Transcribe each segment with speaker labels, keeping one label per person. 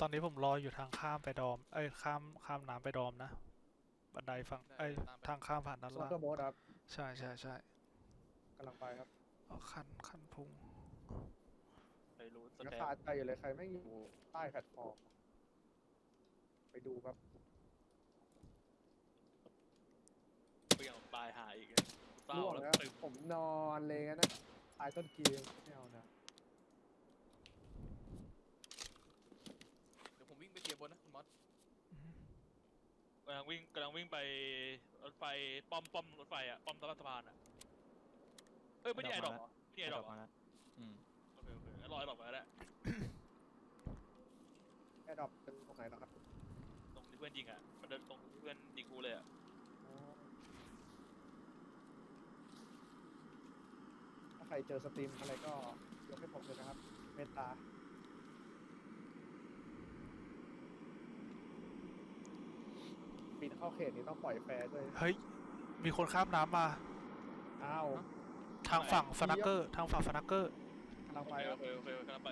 Speaker 1: ตอนนี้ผมรออยู่ทางข้ามไปดอมข้ามน้ำไปดอมนะบันไดฝั่งทางข้ามผ่านด้าน
Speaker 2: โซ
Speaker 1: ล่าง
Speaker 2: เกอร์โบ๊ทครับ
Speaker 1: ใช่
Speaker 2: กำลังไปครับ
Speaker 1: เอาคันพุง
Speaker 3: ไปรู้ส
Speaker 2: ยัง
Speaker 3: แต
Speaker 2: คาใจอยู่เลยใครไม่อยู่ใต้แพลตฟอร์มไปดูครับ
Speaker 3: เปลี่ยนปลายหายอีกเศร้า
Speaker 2: ร่วง
Speaker 3: แล้ว
Speaker 2: แล้ว
Speaker 3: ตึง
Speaker 2: ผมนอนเลยงั้นนะตายต้นเกมไม่เอานะ
Speaker 4: เดี๋ยวผมวิ่งไปเคลียร์บนนะคุณมอส
Speaker 3: กำลังวิ่งไปรถไฟป้อมรถไฟอ่ะป้อมตลาดสะพานอ่ะไม่ได้ไอ้ดอกนี่ไอ้ดอก
Speaker 5: มาแล้ว
Speaker 3: โอเคงั้นรอไอ้ดอกมาแล้ว
Speaker 2: แอร์ดรอปเป็นตรงไหนนะครับ
Speaker 3: ตรงที่เพื่อนยิงอ่ะมันเดินตรงเพื่อนยิงกูเลยอ่ะ
Speaker 2: ถ้าใครเจอสตรีมอะไรก็ยกให้ผมเลยนะครับเมตตาปีนเข้าเขตนี้ต้องปล่อยแฟร์ด้วย
Speaker 1: เฮ้ยมีคนข้ามน้ำมา
Speaker 2: อ้าว
Speaker 1: ทางฝั่งฟนักเกอร์ก
Speaker 2: กำลัง
Speaker 3: โอ
Speaker 2: ไป
Speaker 3: เค
Speaker 2: ครับ
Speaker 3: กำลังไป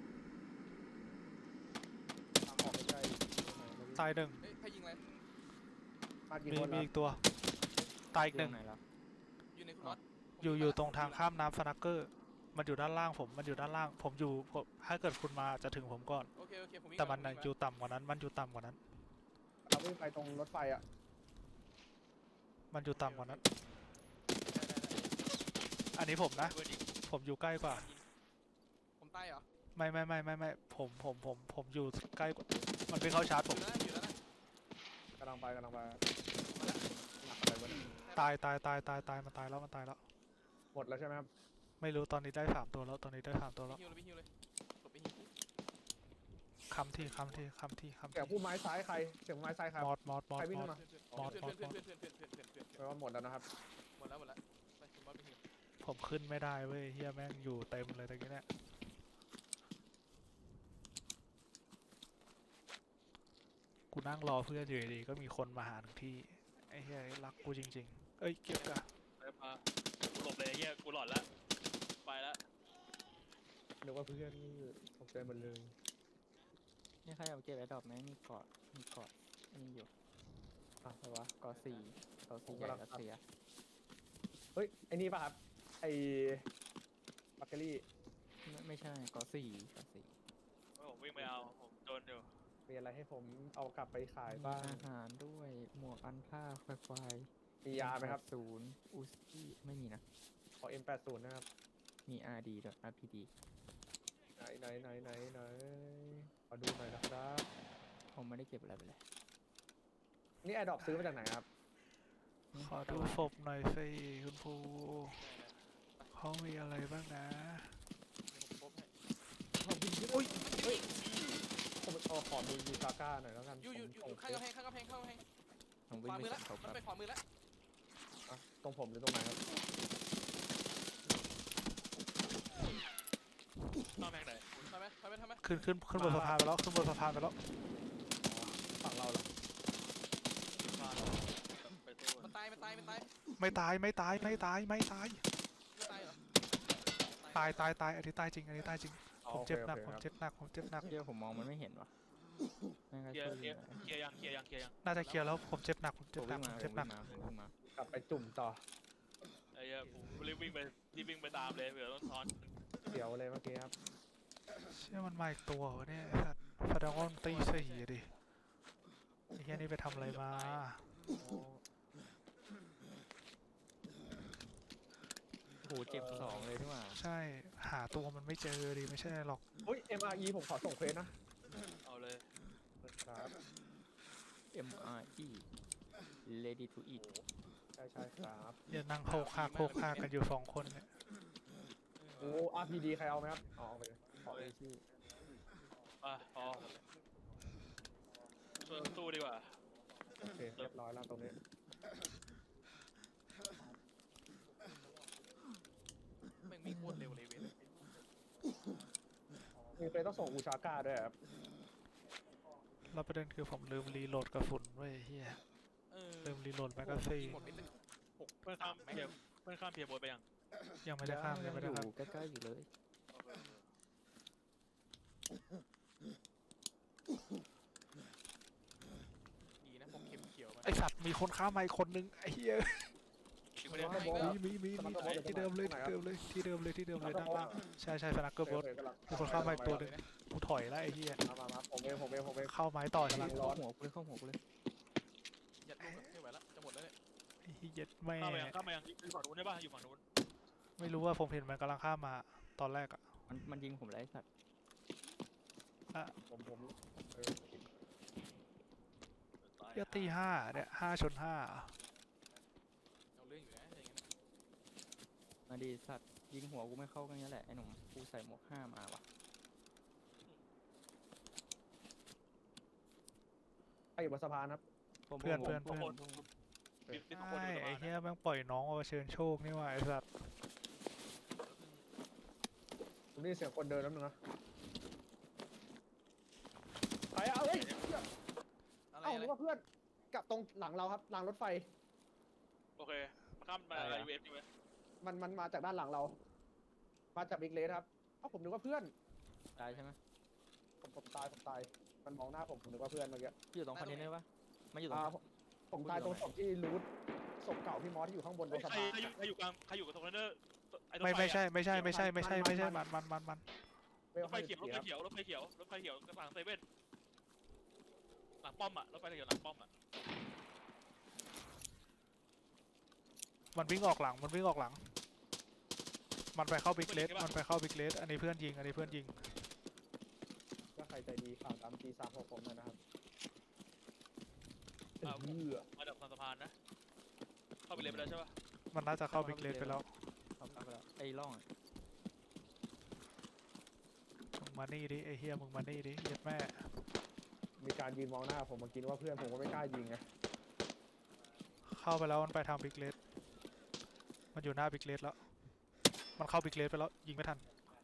Speaker 2: ทางออกไม่ใช่
Speaker 1: ตายหนึ่ง
Speaker 4: เฮ้ยใครยิงอะไร
Speaker 2: มากี่
Speaker 1: มี
Speaker 2: คน
Speaker 1: มี
Speaker 2: แล้ว
Speaker 1: อีกตัวตายอีกหนึ่ง
Speaker 5: ไหนแล้ว
Speaker 4: อยู่ในคุณมอส
Speaker 1: อยู่ตรงทางข้ามน้ำฟนักเกอร์มันอยู่ด้านล่างมันอยู่ด้านล่างผมถ้าเกิดคุณมาจะถึงผมก่อน
Speaker 4: โอเคผมวิ่ง
Speaker 1: แต่มัน
Speaker 4: วิ่ง
Speaker 1: อยู่ต่ำกว่านั้นมันอยู่ต่ำกว่านั้น
Speaker 2: เราวิ่งไปตรงรถไฟอ่ะ
Speaker 1: มันอยู่ต่ำกว่านั้น
Speaker 4: ได้
Speaker 1: อันนี้ผมนะ
Speaker 3: เพื่อนยิง
Speaker 1: ผมอยู่ใกล้กว่า
Speaker 4: ผมตายเหรอ
Speaker 1: ไม่ผมอยู่ใกล้กว่ามันไปเข้าชาร์จผม
Speaker 4: อยู่แล้วนะ
Speaker 2: กำลังไปหนักอะไรวะเนี่ย
Speaker 1: ตายมันตายแล้ว
Speaker 2: หมดแล้วใช่ไหมครับ
Speaker 1: ไม่รู้ตอนนี้ได้3 ตัวแล้วตอนนี้ได้3 ตัวแล้ว
Speaker 4: ฮิวเลยหลบไปฮิว
Speaker 1: คำที่
Speaker 2: เสียงผู้ไม้ซ้ายใครเสียงไม้ซ้ายครับ
Speaker 1: มอด
Speaker 2: ใครวิ่งขึ้นมา
Speaker 4: เพื่อน
Speaker 2: แปลว่าหมดแล้วนะครับ
Speaker 4: หมดแล้วไปคุณมอสไปฮิว
Speaker 1: ผมขึ้นไม่ได้เว้ยเฮียแม่งอยู่เต็มเลยตะกี้เนี่ยกูนั่งรอเพื่อนอยู่ดีๆก็มีคนมาหาถึงที่ไอ้เฮียรักกูจริงๆเอ้ยเก็บกะ
Speaker 3: ไปมากูหลบเลยเฮียกูหลอดแล้วไปแล้ว
Speaker 2: นึกว่าเพื่อนนี่ตกใจหมดเลย
Speaker 5: นี่ใครเอาเก็บไอ้ดอกไหมมีเกาะอันนี้อยู่อะไรวะเกาะสี่ใหญ่รัสเซีย
Speaker 2: เฮ้ยไอ้นี่ป่ะครับไอ้บัคเกอรี่
Speaker 5: ไม่ใช่เกาะสี่
Speaker 3: ผมวิ่งไปเอาผมโดนอยู่
Speaker 2: มีอะไรให้ผมเอากลับไปขาย
Speaker 5: มี
Speaker 2: บ้าง
Speaker 5: อาหารด้วยหมวกอันผ้าควาย
Speaker 2: มียาไหมครับ
Speaker 5: อูสกี้ไม่มีนะ
Speaker 2: ขอ M80 นะครับ
Speaker 5: มี RD ด้วย RPD
Speaker 2: ไหนขอดูหน่อยนะครับ
Speaker 5: ผมไม่ได้เก็บอะไรไปเลย
Speaker 2: นี่แอร์ดรอปซื้อมาจากไหนครับ
Speaker 1: ขอดูศพหน่อยสิคุณภูเขามีอะไรบ้างนะ
Speaker 4: ผมพบให้
Speaker 2: โอ้ยเฮ้ยผมขอดูยูซาก้าหน่อยแล้วกัน
Speaker 4: อยู่ข้างกำแพง
Speaker 5: ผม
Speaker 4: ข
Speaker 5: วิ่ง
Speaker 4: วา
Speaker 5: ไป
Speaker 4: มือแล้ว
Speaker 5: สั่งเขา
Speaker 4: มัน
Speaker 5: แป๊บ
Speaker 4: ไปขวามือแล้ว
Speaker 2: อ่ะตรงผมหรือตรงไหนครับ
Speaker 3: นอกแม่งไหน
Speaker 4: ทำไหม
Speaker 1: ขึ้นบนสะพานไปแล้ว
Speaker 2: ฝั่งเราเหรอ
Speaker 3: มาไปตู้
Speaker 4: มันตาย
Speaker 1: ไม่ตาย
Speaker 4: ไม่ตายเหรอ
Speaker 1: ตายอันนี้ตายจริงผมเจ็บหนัก
Speaker 2: โอเคครับ
Speaker 5: เดี๋ยวผมมองมันไม่เห็นวะไม่งั้น
Speaker 3: เคลีย
Speaker 5: ช่วย
Speaker 3: ร์
Speaker 5: ยิงหน่อย
Speaker 3: เคลียร์ยัง
Speaker 1: น่าจะเคลียร์แล้วผมเจ็บหนัก
Speaker 5: ผมวิ่งมา
Speaker 2: กลับไปจุ่มต่อ
Speaker 3: ไอ้เหี้ยผมรีบวิ่งไปตามเลยเผื่อต้องซ้อน
Speaker 2: เดี๋ยวเลยเมื่อกี้ครับ
Speaker 1: เชื่อมันมาอีกตัววะเนี่ยไอ้สัตว์ฟาดางอนตีสี่อะดิไอ้เฮียนี่ไปทำอะไรมา
Speaker 5: โหเจ็บ2เลยที่ว่า
Speaker 1: ใช่หาตัวมันไม่เจอดิไม่ใช่หรอก
Speaker 2: เฮ้ย MRE ผมขอส่งเควสนะ
Speaker 3: เอาเลย
Speaker 2: ครับ
Speaker 5: MRE ready to eat
Speaker 2: ใช่ครับ
Speaker 1: อย่านั่งโคกคากกันอยู่2 คนเนี่ย
Speaker 2: โอ้ RPD ใครเอาไหมครับอ๋อเอาไปเลยขอเอชื่อ
Speaker 3: พอช่วยตู้ดีกว่า
Speaker 2: โอเคเรียบร้อยแล้วตรงนี้
Speaker 4: แม่งมีโคตรเร็วเลยเว้ย
Speaker 2: มีเควสต้องส่งอูชาก้าด้วยครับ
Speaker 1: แล้วประเด็นคือผมลืมรีโหลดกระสุนไว้เฮียลืมรีโหลดแมกกาซีน
Speaker 4: หมดไปเลย
Speaker 3: เพื่อนข้ามเพียร์บอยไปยัง
Speaker 1: ยังไม่ได้ข้าม
Speaker 5: อยู่ใกล้ๆอยู่เลย
Speaker 1: ไอสัตว์มีคนข้ามมาอีกคนนึงไอ้เหี้ย
Speaker 3: ถึงไม่ได้
Speaker 2: สโบ๊ท
Speaker 1: มีที่เดิมเลยที่เดิมเลยด้านล่างใช่สนักเกอร์บอส
Speaker 2: กำลัง
Speaker 1: มีคนข้ามมาอีกตัวนึงกูถอยแล้วไอ้เหี้ย
Speaker 2: มาผมเอง
Speaker 1: เข้าไม้ต่อใช่ไหม
Speaker 2: กำลังร้อน
Speaker 5: เข้าหัวกูเลยเข้าหัวกูเลย
Speaker 4: ยัดลูกอะไม่ไหวแล้วจะหมดแล้วเนี่ย
Speaker 1: ไอ้เหี้ยแม่
Speaker 3: ข้ามมายังอยู่ฝั่งนู้นได้ป่ะอยู่ฝั่งนู้น
Speaker 1: ไม่รู้ว่าผมเห็นมันกำลังข้ามมาตอนแรกอะ
Speaker 5: มันยิงผมแล้วไอ้สัตว์
Speaker 2: ผม
Speaker 3: ตาย
Speaker 1: เหี้ยตีห้าเนี่ย5 ชน 5
Speaker 4: เอาเรื่องอยู่นะอย่างเงี้ย
Speaker 5: มาดีสัตว์ยิงหัวกูไม่เข้ากันนี้แหละไอ้หนุ่มกูใส่หมวก5มาว่ะ
Speaker 2: ใครอยู่บนสะพานครับ
Speaker 5: ผม
Speaker 1: เพื่อน
Speaker 5: ผม
Speaker 3: มีสองคน
Speaker 1: ใช่
Speaker 3: อยู่ตรง
Speaker 1: ไอ้
Speaker 3: นั้น
Speaker 1: เหี้ยแม่งปล่อยน้องมาเชิญโชคนี่ว่าไอ้สัตว์
Speaker 2: ผมได้ยินเสียงคนเดินแล้วนึงนะใครเอาเฮ้ย
Speaker 4: อะไร
Speaker 2: เอ้า
Speaker 4: อะไร
Speaker 2: นึกว่าเพื่อนกลับตรงหลังเราครับรางรถไฟ
Speaker 3: โอเคมาข้ามมายูเอฟใช่ไหม
Speaker 2: มันมาจากด้านหลังเรา มาจากบิ๊กเลสครับเอ้าผมนึกว่าเพื่อน
Speaker 5: ตายใช่ไหม
Speaker 2: ผมตายมันมองหน้าผมนึกว่าเพื่อนเมื่อกี้
Speaker 5: พี่อยู่ตรงคอนเทนเนอร์ปะไม่อยู่ตรง
Speaker 2: ผมตายตรงศพที่รูทศพเก่าพี่มอสที่อยู่ข้างบนตรงสะ
Speaker 3: ใคร
Speaker 2: พาน
Speaker 3: อยู่กลางใครอยู่กับตรงนั้นเนอร์ไอ้รถ
Speaker 1: ไม่
Speaker 3: ไฟ
Speaker 1: ใช่
Speaker 3: อะ
Speaker 1: มัน
Speaker 2: เว
Speaker 3: ร
Speaker 2: ล
Speaker 3: ถไฟเขียวรถไฟเขียวรถไฟเขียวรถไฟเขียวกลางเซเว่นหลังป้อมอะรถไฟเขียวหลังป้อมอะ
Speaker 1: มันวิ่งออกหลังมันไปเข้าบิ๊กเลสอันนี้เพื่อนยิง
Speaker 2: ถ้าใครใจดีข่าวตามG36ผมหน่อยนะครับ
Speaker 3: มาดับสะพานนะเข้าไปเลยไปแล้วใช่ป่ะ
Speaker 1: มันน่าจะเข้าบิ๊กเลสไปแล้ว
Speaker 5: เข้าไปแล้วไอ้ร่องอะ
Speaker 1: มึงมานี่ดิไอ้เฮียมึงมานี่ดิเย็ดแม่
Speaker 2: มีการยืนมองหน้าผมเมื่อกี้ว่าเพื่อนผมก็ไม่กล้ายิงไง
Speaker 1: เข้าไปแล้วมันไปทางบิ๊กเลสมันอยู่หน้าบิ๊กเลสแล้วมันเข้าบิ๊กเลสไปแล้วยิงไม่ทัน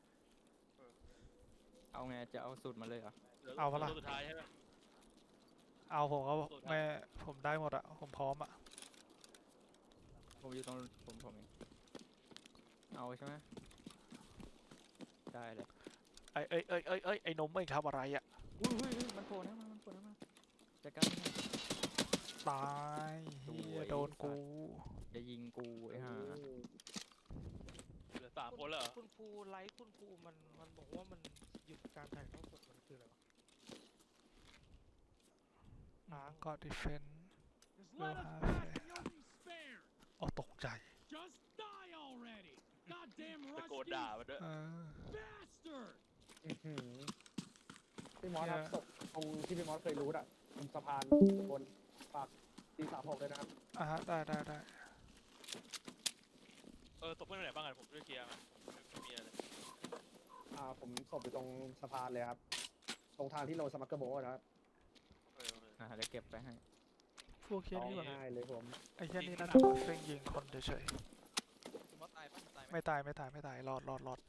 Speaker 5: เอาไงจะเอาสูตรมาเลยเหรอ
Speaker 1: เอาปะล่ะ
Speaker 3: ตัวสุดท้ายใช่ไหม
Speaker 1: เอาผมก็แม่ผมได้หมดอะผมพร้อมอะ
Speaker 5: ผมอยู่ตรงผมเองเอาใช่ไหมได้เลย
Speaker 1: ไอ้นมไม่ทำอะไรอะ
Speaker 5: อุ้ยมันโผล่นะมันโผล่นะมาจัดการมัน
Speaker 1: ตายเฮียโดนกู
Speaker 5: จะยิงกูไอ้ห่า
Speaker 3: เหลือ3 คนแล้วเหรอ
Speaker 6: คุณครูไลฟ์คุณครูมันบอกว่ามันหยุดการถ่ายทอดสดมันคืออะไรวะ
Speaker 1: ก็ดิเฟน
Speaker 7: Just
Speaker 1: We'll
Speaker 7: let us
Speaker 1: have
Speaker 7: back
Speaker 1: it.
Speaker 7: and you'll be spared.
Speaker 1: อ๋อตกใจ
Speaker 7: Just die already. Goddamn
Speaker 3: ตะโกน
Speaker 7: rusty
Speaker 3: ด่ามันด้วย
Speaker 7: bastard.
Speaker 2: พี่มอสครับศพตรงที่พี่มอสเคยรูทอ่ะตรงสะพานบนปากG36เลยนะครับ
Speaker 1: อ่ะฮะได้
Speaker 3: ตกเพื่อนไหนบ้างกันผมช่วยเคลียร์มันไม่มีอะไรเลย
Speaker 2: ผมศพอยู่ตรงสะพานเลยครับ ตรงทางที่ลงสมัครเกอร์โบว์นะครับ
Speaker 3: โอเค
Speaker 5: เดี๋ยวเก็บไปให้
Speaker 1: พวกเฮีย
Speaker 2: ร้อง
Speaker 1: นี่แบบ
Speaker 2: ไห้เลยผม
Speaker 1: ไอ้เฮียนี่น่าจะเซ็งยิงคนเฉย
Speaker 4: คุณมอสตายปะตายไหม
Speaker 1: ๆไม่ตายรอด